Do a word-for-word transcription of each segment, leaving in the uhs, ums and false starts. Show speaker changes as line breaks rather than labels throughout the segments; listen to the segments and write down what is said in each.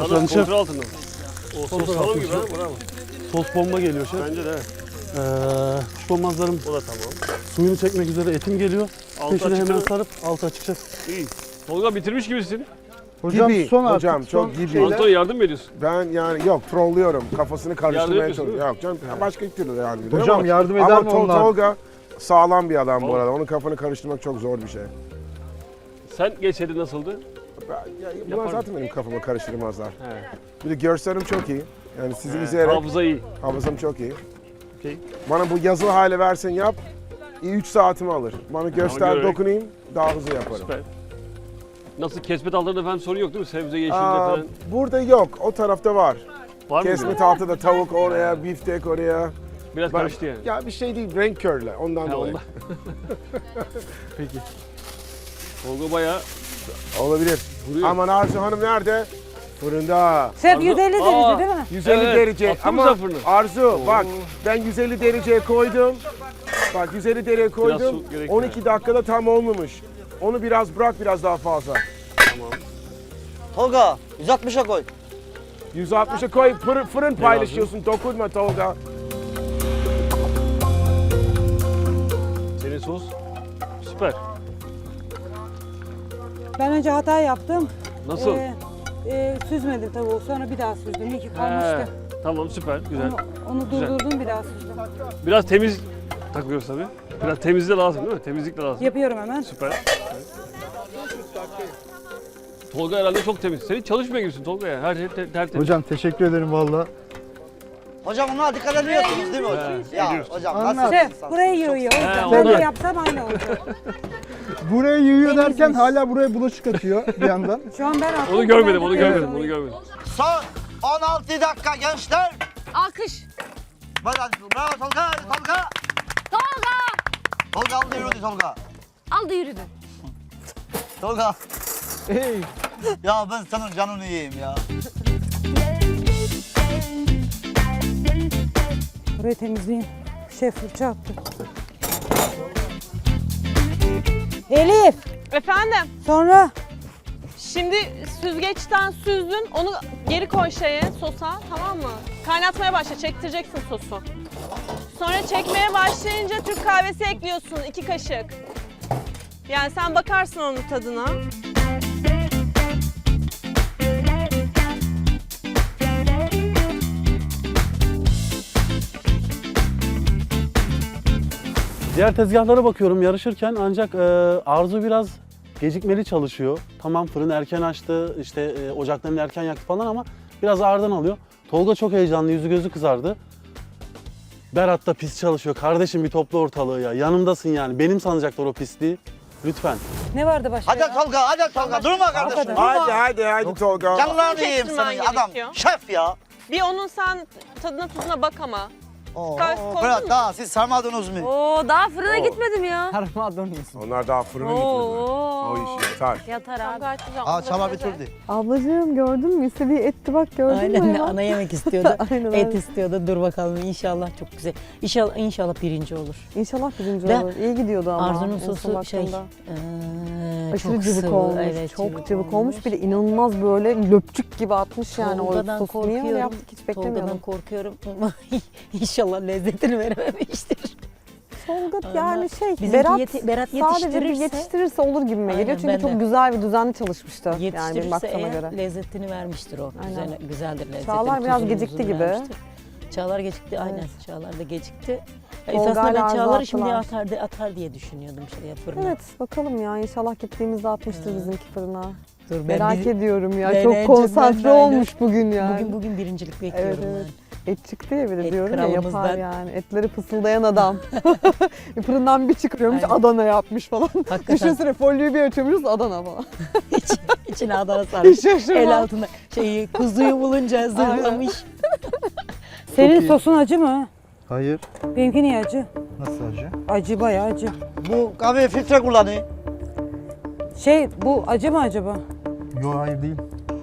Efendim şef,
Kontrol altında. O sos
Kontrol
tamam
altında
gibi ha,
şef.
bravo.
sos bomba geliyor şef.
Bence de.
Ee, kuşkonmazlarım
O da tamam.
suyunu çekmek üzere, etim geliyor.
Altı
Peşine
açık
hemen
mı?
sarıp altı açık şef.
İyi. Tolga bitirmiş gibisin.
Hocam
Gibi,
son artık.
hocam, çok
son
gibi.
şeyler.
Antonio yardım mı ediyorsun?
Ben yani yok trollüyorum. Kafasını
Yardım
karıştırmaya
ediyorsun,
çalışıyorum. Yok canım başka türlü yardım ediyorum.
Hocam
ama,
yardım eder
ama
mi
Tol-
onlar?
Tolga sağlam bir adam bu
Tamam.
arada. Onun kafanı karıştırmak çok zor bir şey.
Sen geçeri nasıldı?
Ben, ya, bunlar
Yaparım.
zaten benim kafamı karıştırmazlar.
He.
Bir de görselim çok iyi. Yani sizi
He,
izleyerek
hafıza iyi.
hafızam çok iyi.
Okey.
Bana bu yazılı hale versen yap. üç saatimi alır. Bana göster,
görerek.
dokunayım, daha hızlı yaparım.
Süper. Nasıl kesme dallarında falan sorun yok değil mi? Sebze, yeşilde
Aa,
falan.
burada yok, o tarafta var.
Var mı?
Kesme tahtada tavuk oraya, biftek oraya.
Biraz
Ben-
karıştı yani.
Ya bir şey değil, renk körle ondan
Ha,
dolayı.
ondan. Peki. Tolga bayağı
Olabilir.
vuruyor.
Aman Arzu Hanım nerede? Fırında.
Şef
Arzu-
yüz elli
Aa,
derece değil mi?
yüz elli
Evet,
derece
attın mı
ama
sen fırına?
Arzu bak ben yüz elli dereceye koydum. Bak yüz elli dereceye koydum.
su gerekiyor.
on iki dakikada tam olmamış. Onu biraz bırak biraz daha fazla.
Tolga yüz altmışa koy.
yüz altmışa koy fırın, fırın paylaşıyorsun dokunma Tolga.
Senin sos süper.
Ben önce hata yaptım.
Nasıl?
Ee, e, süzmedim tavuğu. Sonra bir daha süzdüm. İyi ki kalmıştı.
He, tamam süper güzel.
Onu, onu
Güzel.
durdurdum bir daha süzdüm.
Biraz temiz takıyoruz tabii. Biraz temizlik de lazım değil mi? Temizlik de lazım.
Yapıyorum hemen.
Süper. Tolga herhalde çok temiz. Sen hiç çalışmıyor gibisin Tolga ya. Her şey te- tertemiz.
Hocam teşekkür ederim valla.
Hocam ona dikkat ediyorsunuz değil mi hocam?
He,
Ya
ediyoruz.
hocam
Anlat.
nasıl
Şef
insan?
buraya yığıyor. O yüzden
He,
ben
ondan.
de yapsam aynı olacak.
Buraya yığıyor derken
Temizmiş.
hala buraya bulaşık atıyor bir yandan.
Şu an ben attım.
Onu görmedim, onu
Ben de
görmedim,
yapıyorum.
onu görmedim.
Son on altı dakika gençler.
Alkış.
Hadi hadi bravo Tolga Tolga.
Tolga.
Tolga aldı yürüdü Tolga.
Aldı yürüdü.
Tolga.
Hey.
Ya ben senin canını yiyeyim ya.
Burayı temizleyeyim. Şef fırça attı. Elif.
Efendim,
Sonra
şimdi süzgeçten süzdün, onu geri koy şeye, sosa, tamam mı? Kaynatmaya başla, çektireceksin sosu. Sonra çekmeye başlayınca Türk kahvesi ekliyorsun, iki kaşık. Yani sen bakarsın onun tadına.
Diğer tezgahlara bakıyorum yarışırken ancak e, Arzu biraz gecikmeli çalışıyor. Tamam fırın erken açtı, işte e, ocaklarını erken yaktı falan ama biraz ağırdan alıyor. Tolga çok heyecanlı, yüzü gözü kızardı. Berat da pis çalışıyor. Kardeşim bir topla ortalığı ya. Yanımdasın yani. Benim sanacaklar o pisliği. Lütfen.
ne vardı başka
Hadi
ya?
Tolga hadi Tolga durma kardeşim.
Hadi hadi hadi Tolga.
Canlarını yiyeyim
Çektirmen
senin adam.
gerekiyor.
Şef ya.
Bir onun sen tadına tuzuna bak ama.
Oo,
Gayet koydun
Fırat
mu?
daha siz sarmadınız mı?
Oo daha fırına gitmedim ya.
Onlar daha fırına gitmediler. O
Oo.
iş yeter.
Yatar abi.
Gayet güzel.
Aa
Onu da
çaba
güzel.
bitirdi.
Ablacığım gördün mü? İstediği etti bak gördün mü?
Aynen
ya?
ana yemek istiyordu.
Aynen
Et
öyle.
istiyordu. Dur bakalım inşallah çok güzel. İnşallah inşallah birinci olur.
İnşallah birinci
De-
olur. İyi gidiyordu ama.
Arzu'nun
en son
sosu şey
baktığımda.
eee,
Aşırı
çok
cıvık
sıvı.
olmuş.
Evet,
çok cıvık, olmuş. Bir de inanılmaz böyle löpçük gibi atmış yani
Tolga'dan
o sosu. Niye öyle
korkuyorum.
yaptık hiç beklemiyordum.
Tolga'dan korkuyorum. İnşallah lezzetini verememiştir.
Tolga
Ama
yani şey
bizimki
Berat,
yeti- Berat
sadece bir
yetiştirirse-
yetiştirirse olur gibime
Aynen,
geliyor. Çünkü
ben
çok
de.
güzel ve düzenli çalışmıştı. Yani benim
Yetiştirirse
baktığıma
eğer
göre.
lezzetini vermiştir o.
Aynen.
Güzel, güzeldir lezzetini.
Çağlar biraz
tuzunu,
gecikti
muzunu
gibi.
vermiştir. Çağlar gecikti aynen.
Evet.
Çağlar da gecikti. Ya
Tolga
esasında
ile
ben
Arzu
Çağlar'ı şimdi
attılar.
atar, de- atar diye düşünüyordum şey yaparım.
Evet bakalım ya inşallah gittiğimizde atmıştır
Hı.
bizimki fırına.
Dur, ben
Merak
bir-
ediyorum ya.
Ben
Çok
en
konsantre
çok ben de aynen.
olmuş bugün yani.
Bugün bugün birincilik bekliyorum
Evet, evet.
ben.
Et çıktı ya bir de
Et
diyorum ya yapar
kralımızdan.
yani. Etleri fısıldayan adam. Fırından bir çıkıyormuş
Aynen.
Adana yapmış falan.
Hakikaten
Düşünsene folyoyu bir açıyormuşuz Adana falan.
iç, içine Adana sarmış.
Hiç şaşırmam.
El altında şeyi kuzuyu bulunca zırlamış.
Senin
iyi.
sosun acı mı?
Hayır.
Benimki niye acı?
Nasıl acı?
Acı bayağı acı.
Bu kahve filtre kullanıyor.
Şey bu acı mı acaba?
Yok hayır değil.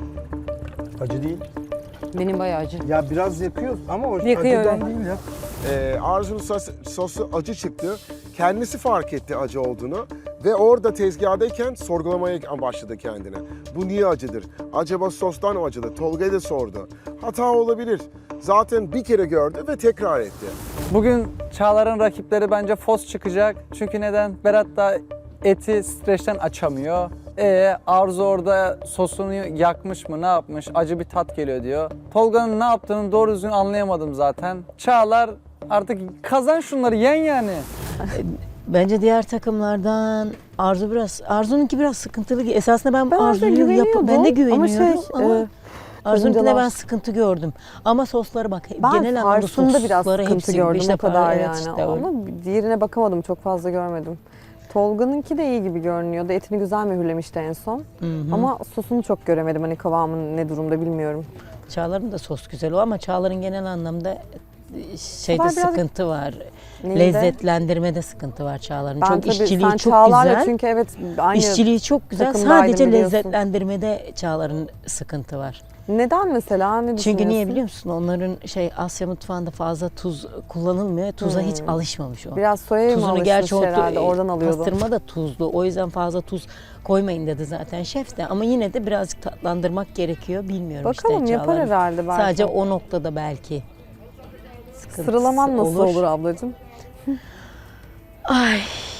Acı değil.
Benim bayağı acı.
Ya biraz yakıyor ama o
Yakıyor,
acıdan
evet.
değil ya.
Ee, Arzu'nun sos, sosu acı çıktı. Kendisi fark etti acı olduğunu. Ve orada tezgahdayken sorgulamaya başladı kendine. Bu niye acıdır? Acaba sostan mı acıdı? Tolga'ya da sordu. Hata olabilir. Zaten bir kere gördü ve tekrar etti.
Bugün Çağlar'ın rakipleri bence Fos çıkacak. Çünkü neden? Berat da eti streçten açamıyor. E Arzu orada sosunu yakmış mı, ne yapmış? Acı bir tat geliyor diyor. Tolga'nın ne yaptığını doğru düzgün anlayamadım zaten. Çağlar artık kazan şunları, yen yani.
Bence diğer takımlardan Arzu biraz, Arzu'nunki biraz sıkıntılı. Esasında ben,
Ben Arzu'ya
Arzu'yu
güveniyordum.
ben de
Ama
güveniyorum
şey,
ama,
e,
Arzu'nunkine ben
karıncalar-
sıkıntı gördüm. Ama sosları bak,
Ben
genel anlamda
Fars'ında biraz
sosları
sıkıntı
hepsi
gördüm
işte
o kadar
evet
yani.
işte öyle.
Ama diğerine bakamadım, çok fazla görmedim. Tolga'nınki de iyi gibi görünüyordu. Etini güzel mühürlemişti en son.
Hı hı.
Ama sosunu çok göremedim. Hani kıvamın ne durumda bilmiyorum.
Çağlar'ın da sos güzel o ama Çağlar'ın genel anlamda şeyde
Çağlar biraz-
sıkıntı var.
Neydi?
Lezzetlendirmede sıkıntı var Çağlar'ın.
Ben
Çok
tabii
işçiliği
sen
çok
Çağlar'la
güzel.
çünkü evet aynı.
İşçiliği çok güzel.
takımdaydım
Sadece
biliyorsun.
lezzetlendirmede Çağlar'ın sıkıntı var.
Neden mesela? Ne
Çünkü niye
düşünüyorsun?
biliyor musun? Onların şey Asya mutfağında fazla tuz kullanılmıyor. Tuza hiç alışmamış o.
Biraz soyaya mı
Tuzunu
alışmış
gerçi o
herhalde, oradan alıyordu.
pastırma da tuzlu. O yüzden fazla tuz koymayın dedi zaten şef de. Ama yine de birazcık tatlandırmak gerekiyor. Bilmiyorum
Bakalım
işte
yapar
Çağlar'ın.
herhalde belki.
Sadece o noktada belki sıkıntısı
Sıralaman nasıl olur, ablacığım?
Ay.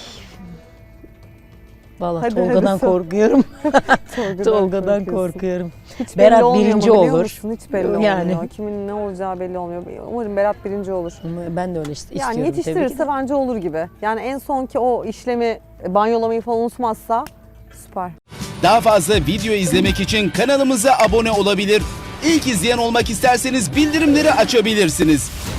Vallahi
Hadi,
Tolga'dan
hadi sor.
korkuyorum.
Tolga'dan
Tolga'dan
korkuyorsun.
korkuyorum.
Hiç belli
Berat
olmuyor
birinci
ama biliyor
olur.
musun? Hiç belli
Yani.
olmuyor. Kimin ne olacağı belli olmuyor. Umarım Berat birinci olur.
Ama ben de öyle işte
Yani
istiyorum tabii ki
yetiştirirse
de.
bence olur gibi. Yani en sonki o işlemi, banyolamayı falan unutmazsa süper.
Daha fazla video izlemek için kanalımıza abone olabilir. İlk izleyen olmak isterseniz bildirimleri açabilirsiniz.